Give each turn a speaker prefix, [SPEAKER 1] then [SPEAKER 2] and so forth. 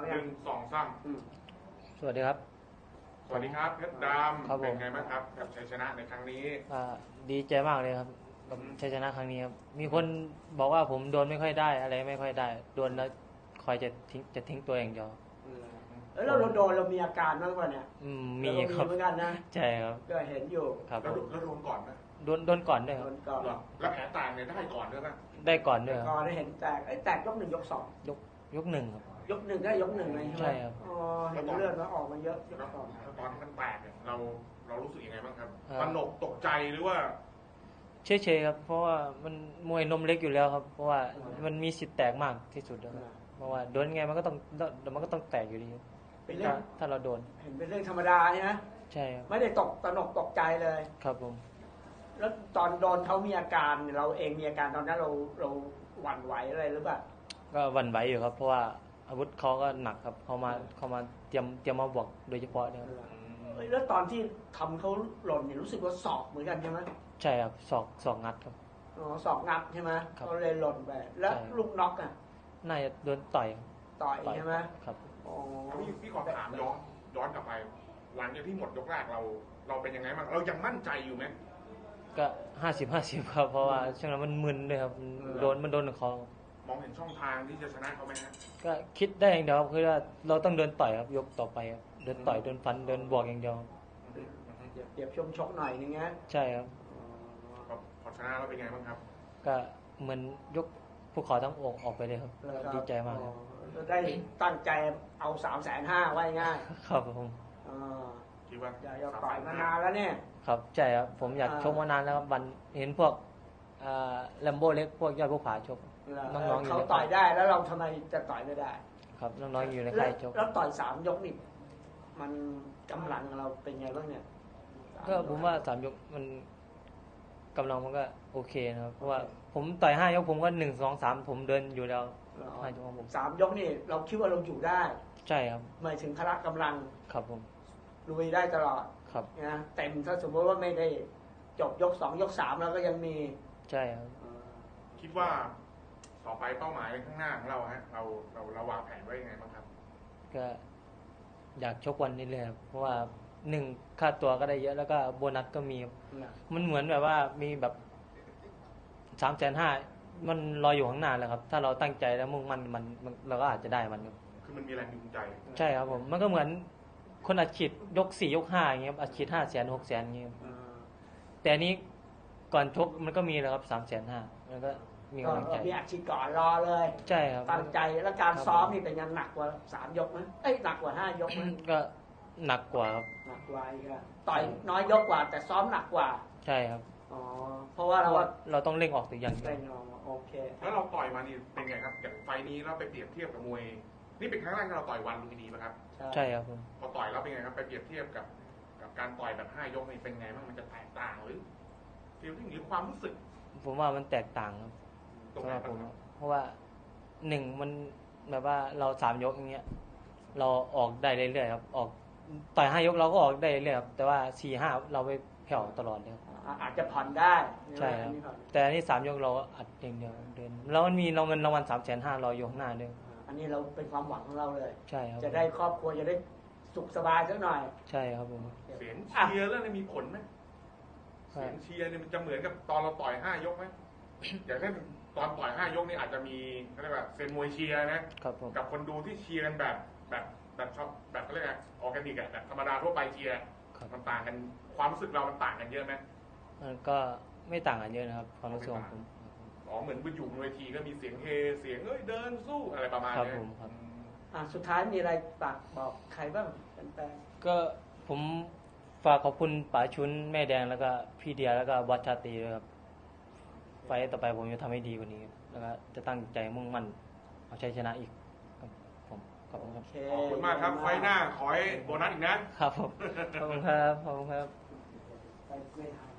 [SPEAKER 1] 1 2 3
[SPEAKER 2] สวัสดีครับ
[SPEAKER 1] สวัสดีครับเพชรดำเป็นไงบ้างครับกับชัยชนะในครั้งนี้
[SPEAKER 2] ดีใจมากเลยครับกับชัยชนะครั้งนี้ครับมีคนบอกว่าผมโดนไม่ค่อยได้อะไรไม่ค่อยได้โดนแล้วคอยจะทิ้งตัวเองเดียว
[SPEAKER 3] แล้วเราโดนเรามีอาการบ้างป่ะเนี่ย
[SPEAKER 2] มีครับ
[SPEAKER 3] เหมือนกันนะ
[SPEAKER 2] ใช่ครับ
[SPEAKER 3] ก็เห็นอยู่
[SPEAKER 2] ครับ
[SPEAKER 1] แล้วโดนก่อนไหม
[SPEAKER 2] โดนก่อนด้วยครับ
[SPEAKER 1] แล้วแผลต่างเนี่ยได้ก่อนด้วยป่ะ
[SPEAKER 2] ได้ก่อนด้วย
[SPEAKER 3] ก่อนได้เห็นแตกยก 1 ยก 2
[SPEAKER 2] ยก 1ครับ
[SPEAKER 3] ยก 1ได้ยก 1เลย
[SPEAKER 2] ใช่ครับ
[SPEAKER 3] เห็นเลือดมันออกมาเยอะ
[SPEAKER 1] ตอนที่มันแตกเนี่ยเรารู้สึกยังไงบ้างครับตระหนกตกใจหรือว่า
[SPEAKER 2] เฉยๆครับเพราะว่ามันมวยนมเล็กอยู่แล้วครับเพราะว่ามันมีสิทธิ์แตกมากที่สุดแล้วเพราะว่าโดนไงมันก็ต้องแตกอยู่ดีถ้าเราโดน
[SPEAKER 3] เห็นเป็นเรื่องธรรมดาใช่ไหม
[SPEAKER 2] ใช่ครับ
[SPEAKER 3] ไม่ได้ตระหนกตกใจเลย
[SPEAKER 2] ครับผม
[SPEAKER 3] แล้วตอนโดนเขามีอาการเราเองมีอาการตอนนั้นเราหวั่นไหวอะไรหรือเปล่า
[SPEAKER 2] ก็หวั่นไหวอยู่ครับเพราะว่าอาวุธเขาก็หนักครับเขามาเตรียมมาบวกโดยเฉพาะเนี่ย
[SPEAKER 3] แล้วตอนที่ทำเขาหล่นเนี่ยรู้สึกว่าศอกเหมือนกันใช่ไหม
[SPEAKER 2] ใช่ครับศอกงัดครับ
[SPEAKER 3] ศอกงัดใช่ไหมเขาเลยหล่นไปแล้วลูกน็อกอ่ะ
[SPEAKER 2] น่าจะโดนต่อย
[SPEAKER 3] ใช่ไหม
[SPEAKER 2] ครับ
[SPEAKER 1] พี่ขอถามย้อนกลับไปหลังจากที่หมดยกแรกเราเป็นยังไงบ้างเรายังมั่นใจอยู่ไหม
[SPEAKER 2] ก็50-50ครับเพราะว่าช่วงนั้นมันมึนเลยครับมันโดนคอ
[SPEAKER 1] มองเห็นช่องทางที่จะชนะเขาไหมฮะ
[SPEAKER 2] ก็คิดได้อย่างเดียวครับคือว่าเราต้องเดินต่อยครับยกต่อไปครับเดินต่อยเดินฟันเดินบวกอย่างเดียว
[SPEAKER 3] เดี๋ยวชมชกหน่อยนึงนะ
[SPEAKER 2] ใช่ครับ
[SPEAKER 1] พอชนะแล้วเป็นไงบ้างครับ
[SPEAKER 2] ก็เหมือนยกภูเขาทั้งอกออกไปเลยครับดีใจมาก
[SPEAKER 3] ได้ตั้งใจเอา350,000ไว้ง่าย
[SPEAKER 2] ครับผม
[SPEAKER 1] คิดว่า
[SPEAKER 3] อยากต่อยมานานแล้วเนี่ย
[SPEAKER 2] ครับใช่ครับผมอยากชกมานานแล้วครับวันเห็นพวกแลมโบ้เล็กพวกยอดภูผาชก
[SPEAKER 3] น้องๆเขาต่อยได้แล้วเราทำไมจะต่อยไม่ได้
[SPEAKER 2] ครับน้องๆอยู่ในค่ายชก
[SPEAKER 3] แล้วต่อย3 ยกนี่มันกำลังเราเป็นไงบ้างเนี่ย
[SPEAKER 2] ก็ผมว่า3 ยกมันกำลังมันก็โอเคนะครับเพราะว่าผมต่อย5 ยกผมก็1 2 3ผมเดินอยู่แล้ว5 ยกของผม
[SPEAKER 3] 3 ยกนี่เราคิดว่าเราอยู่ได้
[SPEAKER 2] ใช่ครับ
[SPEAKER 3] หมายถึงพละกำลัง
[SPEAKER 2] ครับผม
[SPEAKER 3] ลุยได้ตลอด
[SPEAKER 2] ครับ
[SPEAKER 3] นะเต็มถ้าสมมติว่าไม่ได้จบยก 2 ยก 3แล้วก็ยังมี
[SPEAKER 2] ใช่ครับ
[SPEAKER 1] คิดว่าต่อไปเป้าหมายข้างหน้าของเราฮะเราวางแผนไว้ยังไงบ้างครับ
[SPEAKER 2] ก็อยากชกวันนี้เลยครับเพราะว่า1ค่าตัวก็ได้เยอะแล้วก็โบนัสก็มีมันเหมือนแบบว่ามีแบบ350,000มันรออยู่ข้างหน้าแล้วครับถ้าเราตั้งใจแล้วมุ่งมั่นมันเราก็อาจจะได้มัน
[SPEAKER 1] คือมันมีแรงจูงใจ
[SPEAKER 2] ใช่ครับผมมันก็เหมือนคนอัดฉีดยก4 ยก 5อย่างเงี้ยอัดฉีด500,000 600,000อย่างเงี้ยแต่นี้ก่อนชกมันก็มีแล้วครับ350,000แล้วก็มีกำลังใจ
[SPEAKER 3] มีอัดฉีดก่อนรอเลย
[SPEAKER 2] ใช่ครับ
[SPEAKER 3] ตั้งใจแล้วการซ้อมนี่เป็นยังหนักกว่า3 ยกไหมหนักกว่า5 ยกไหม
[SPEAKER 2] ก็หนักกว่าครับ
[SPEAKER 3] หนักกว่าอีกต่อยน้อยยกกว่าแต่ซ้อมหนักกว่า
[SPEAKER 2] ใช่ครับ
[SPEAKER 3] เพราะว่า
[SPEAKER 2] เราต้องเร่งออกตัวอย่างเดียว
[SPEAKER 3] โอเค
[SPEAKER 1] แล้วเราต่อยมานี่เป็นไงครับอย่างไฟนี้เราไปเปรียบเทียบกับมวยนี่เป็นครั้งแรกที่เราต่อยวันลุมพินีไหมครับ
[SPEAKER 2] ใช่ครับผม
[SPEAKER 1] พอต่อยแล้วเป็นไงครับไปเปรียบเทียบกับการต่อยแบบ5 ยกนี่เป็นไงบ้างมันจะแตกต่างหรือฟีลลิ่งหรือความรู้สึก
[SPEAKER 2] ผมว่ามันแตกต่างครับ
[SPEAKER 1] ตรงไหนผม
[SPEAKER 2] เพราะว่ามันแบบว่าเรา3 ยกอย่างเงี้ยเราออกได้เรื่อยๆครับออกต่อย5 ยกเราก็ออกได้เรื่อยๆครับแต่ว่า4-5เราไปแผ่วตลอดเลย
[SPEAKER 3] อาจจะผ่อนได้
[SPEAKER 2] ใช่ครับแต่อันนี้3 ยกเราอัดอย่างเดียวเดินแล้วมันมีเงินรางวัล350,000รออยู่ข้างหน้าด้วย
[SPEAKER 3] อันนี้เราเป็นความหวังของเราเลย
[SPEAKER 2] ใช่ครับ
[SPEAKER 3] จะได้ครอบครัวจะได้สุขสบายสักหน่อย
[SPEAKER 2] ใช่ครับผม
[SPEAKER 1] เสียงเชียร์แล้วมีผลไหมเสียงเชียร์เนี่ยมันจะเหมือนกับตอนเราต่อย5 ยกไหมอย่างเช่นตอนต่อย5 ยกนี่อาจจะมีเขาเรียกว่าเซนมวยเชียร์นะกับคนดูที่เชียร์กันแบบชอบแบบเขาเรียกอะไรออร์แกนิกแบบธรรมดาทั่วไปเชียร์มันต่างกันความรู้สึกเรามันต่างกันเยอะไหม
[SPEAKER 2] มันก็ไม่ต่างกันเยอะนะครับความรู้สึกของผม
[SPEAKER 1] เหมือนไปอยู่บนเวทีก็มีเสียงเฮเสียงเดินสู้อะไรประมาณนี้
[SPEAKER 3] ครับสุดท้ายมีอะไรฝากบอกใครบ้างแฟน
[SPEAKER 2] ๆก็ผมฝากขอบคุณป๋าชุนแม่แดงแล้วก็พี่เดียแล้วก็วัชชาตรีด้วยครับไฟต่อไปผมจะทำให้ดีกว่านี้แล้วก็จะตั้งใจมุ่งมั่นเอาชัยชนะอีกผมขอบคุณครับ
[SPEAKER 1] ขอบคุณมากครับไฟหน้าขอให้โบนัสอีกนะครับ
[SPEAKER 2] ผมขอบคุณครับ